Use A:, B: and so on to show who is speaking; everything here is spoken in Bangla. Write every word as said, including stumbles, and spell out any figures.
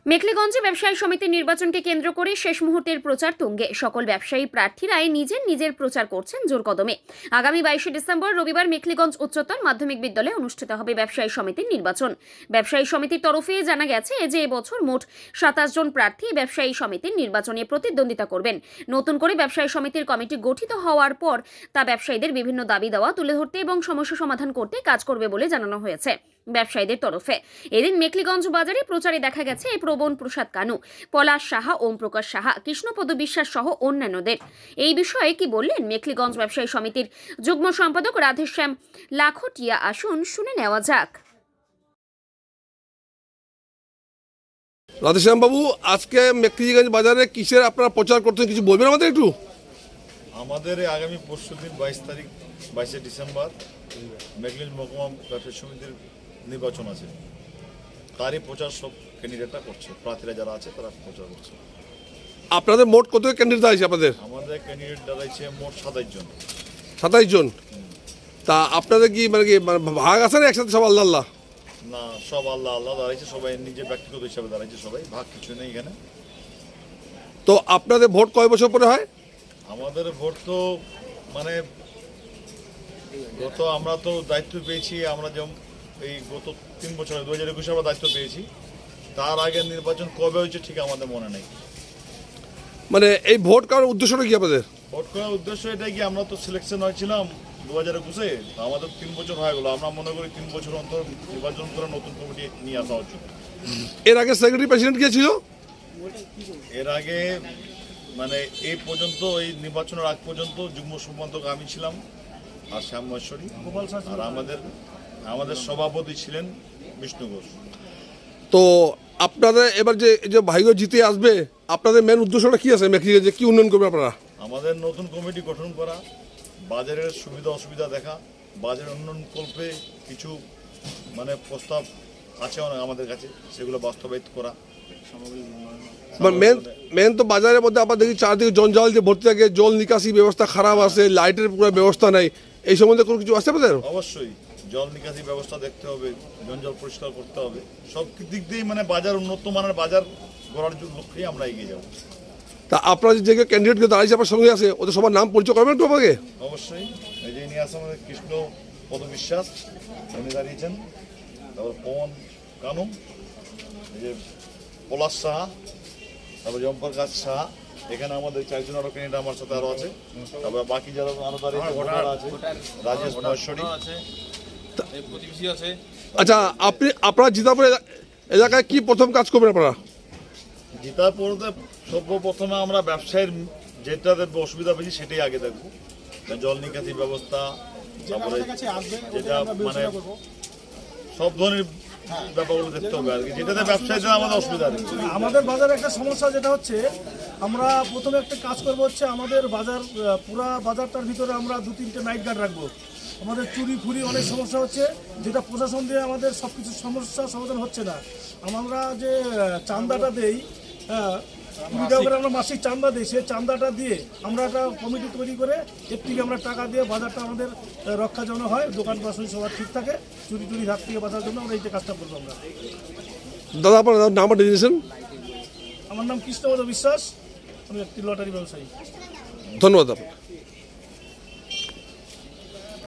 A: মেখলিগঞ্জে ব্যবসায়ী সমিতির নির্বাচনকে কেন্দ্র করে শেষ মুহূর্তের প্রচার তুঙ্গে। সকল ব্যবসায়ী প্রার্থীরাই নিজের নিজের প্রচার করছেন জোর কদমে। আগামী বাইশে ডিসেম্বর রবিবার মেখলিগঞ্জ উচ্চতর মাধ্যমিক বিদ্যালয়ে অনুষ্ঠিত হবে ব্যবসায়ী সমিতির নির্বাচন। ব্যবসায়ী সমিতির তরফে জানা গেছে যে এবছর মোট সাতাশ জন প্রার্থী ব্যবসায়ী সমিতির নির্বাচনে প্রতিদ্বন্দ্বিতা করবেন। নতুন করে ব্যবসায়ী সমিতির কমিটি গঠিত হওয়ার পর তা ব্যবসায়ীদের বিভিন্ন দাবি দেওয়া তুলে ধরতে এবং সমস্যা সমাধান করতে কাজ করবে বলে জানানো হয়েছে ব্যবসায়ীদের তরফে। এদিন মেখলিগঞ্জ বাজারে প্রচারে দেখা গেছে এই প্রবণ প্রসাদ কানু, পলাশ সাহা, ওম প্রকাশ সাহা, কৃষ্ণপদ বিশ্বাস সহ অন্যান্যদের। এই বিষয়ে কি বললেন মেখলিগঞ্জ ব্যবসায়ী সমিতির যুগ্ম সম্পাদক রাধেশ্যাম লাখটিয়া, আসুন শুনে নেওয়া যাক।
B: রাধেশ্যাম বাবু, আজকে মেখলিগঞ্জ বাজারে কিসের আপনারা প্রচার করতেন, কিছু বলবেন আমাদের একটু?
C: আমাদের আগামী পরশু দিন বাইশ তারিখ বাইশে ডিসেম্বর মেখলিগঞ্জ মহকুমা ব্যবসায়ী সমিতির নির্বাচন আছে। তারই প্রচার সব ক্যান্ডিডেটরা করছে, প্রার্থীরা যারা আছে তারা প্রচার করছে।
B: আপনাদের মোট কত ক্যান্ডিডেট আছে আপনাদের?
C: আমাদের ক্যান্ডিডেট দাঁড়াইছে মোট সাতাইশ জন।
B: সাতাইশ জন। তা আপনাদের কি মানে কি ভাগ আছে না একসাথে সব আল্লাহ আল্লাহ?
C: না, সব আল্লাহ আল্লাহ দাঁড়াইছে, সবাই নিজের ব্যক্তিগত হিসাবে দাঁড়াইছে, সবাই ভাগ কিছু নেই এখানে।
B: তো আপনাদের ভোট কয় বছর পরে হয়?
C: আমাদের ভোট তো মানে গত আমরা তো দায়িত্ব পেয়েছি, আমরা যেমন এই গত তিন বছর দু হাজার একুশে আমরা দায়িত্ব পেয়েছি। তার আগের নির্বাচন কবে হয়েছে ঠিক আমাদের মনে নেই।
B: মানে এই ভোট করার উদ্দেশ্যটা কি আপনাদের?
C: ভোট করার উদ্দেশ্য এটাই কি, আমরা তো সিলেকশন হয়েছিলাম দু হাজার একুশে, আমাদের তিন বছর হয়ে গেলো। আমরা মনে করি তিন বছর অন্তর নির্বাচন করে নতুন কমিটি নিয়ে আসা উচিত।
B: এর আগে সেক্রেটারি প্রেসিডেন্ট কে ছিল?
C: এর আগে মানে এই পর্যন্ত এই নির্বাচনের আগ পর্যন্ত যুগ্ম সম্পাদক আমি ছিলাম আর শ্যাম মহেশ্বরী, আর আমাদের আমাদের সভাপতি ছিলেন বিষ্ণু ঘোষ।
B: তো আপনাদের এবার যে যে ভাইগো জিতে আসবে, আপনাদের মেন উদ্দেশ্যটা কি আছে? মেখলিগঞ্জে কি উন্নয়ন করবে আপনারা?
C: আমাদের নতুন কমিটি গঠন করা, বাজারের সুবিধা অসুবিধা দেখা, বাজারের উন্নয়ন কল্পে কিছু মানে প্রস্তাব আছে অনেক আমাদের কাছে, সেগুলো বাস্তবায়িত করা।
B: মেন মেন তো বাজারের মধ্যে আপনার দেখি চারদিকে জঞ্জাল যে ভর্তি থাকে, জল নিকাশি ব্যবস্থা খারাপ আছে, লাইটের পুরো ব্যবস্থা নাই, এই সম্বন্ধে কোনো কিছু আছে আপনাদের?
C: অবশ্যই জল নিকাশি ব্যবস্থা দেখতে হবে, জঞ্জাল পরিষ্কার করতে হবে, সব দিক দিয়েই মানে বাজার উন্নত মানের বাজার গড়ার লক্ষ্যেই আমরা এগিয়ে যাব।
B: তা আপনারা যে ক্যান্ডিডেটকে দাঁড়িয়েছে আপনার সঙ্গে আছে, ওদের সবার নাম পরিচয় করবেন একটু আমাকে?
C: অবশ্যই। এই যে নিয়ে আসে আমাদের কৃষ্ণ পদ বিশ্বাস, উনি দাঁড়িয়েছেন। তারপর পবন কানু, এই যে পলাশ সাহা, তারপর জম্পরকাশ সাহা। এখানে আমাদের চারজন আরো ক্যান্ডিডেট আমার সাথে আরো আছে। তারপর বাকি যারা আরো দাঁড়িয়েছে আছে, রাজেশ মহেশ্বরী
D: আছে।
B: আচ্ছা, আপনি আপনারা জিতাপুর এলাকায় কি প্রথম কাজ করবেন আপনারা?
C: জিতার পরে সর্বপ্রথমে আমরা ব্যবসায়ের যেটাতে অসুবিধা বেশি সেটাই আগে দেখবো, জল নিকাশি ব্যবস্থা, তারপরে যেটা মানে সব ধরনের ব্যাপারগুলো দেখতে হবে আর কি, যেটাতে ব্যবসায়ীদের আমাদের অসুবিধা নেই।
E: আমাদের বাজারে একটা সমস্যা যেটা হচ্ছে, আমরা প্রথমে একটা কাজ করবো হচ্ছে আমাদের বাজার পুরা বাজারটার ভিতরে আমরা দু তিনটে নাইট গার্ড রাখবো। আমাদের চুরি ফুরি অনেক সমস্যা হচ্ছে, যেটা প্রশাসন দিয়ে আমাদের সব কিছু সমস্যা সমাধান হচ্ছে না। আমরা যে চাঁদাটা দেই, হ্যাঁ কুড়ি টাকা করে আমরা মাসিক চাঁদা দিই, সেই চাঁদাটা দিয়ে আমরা একটা কমিটি তৈরি করে এর থেকে আমরা টাকা দিয়ে বাজারটা আমাদের রক্ষা যেন হয়, দোকান পাশে সবার ঠিক থাকে, চুরি চুরি হাত থেকে বাঁচার জন্য আমরা এই যে কাজটা করবো। আমরা
B: দাদা আপনার নামটা দিয়েছেন?
E: আমার নাম কৃষ্ণপদ বিশ্বাস, আমি একটি লটারি ব্যবসায়ী।
B: ধন্যবাদ আপনার।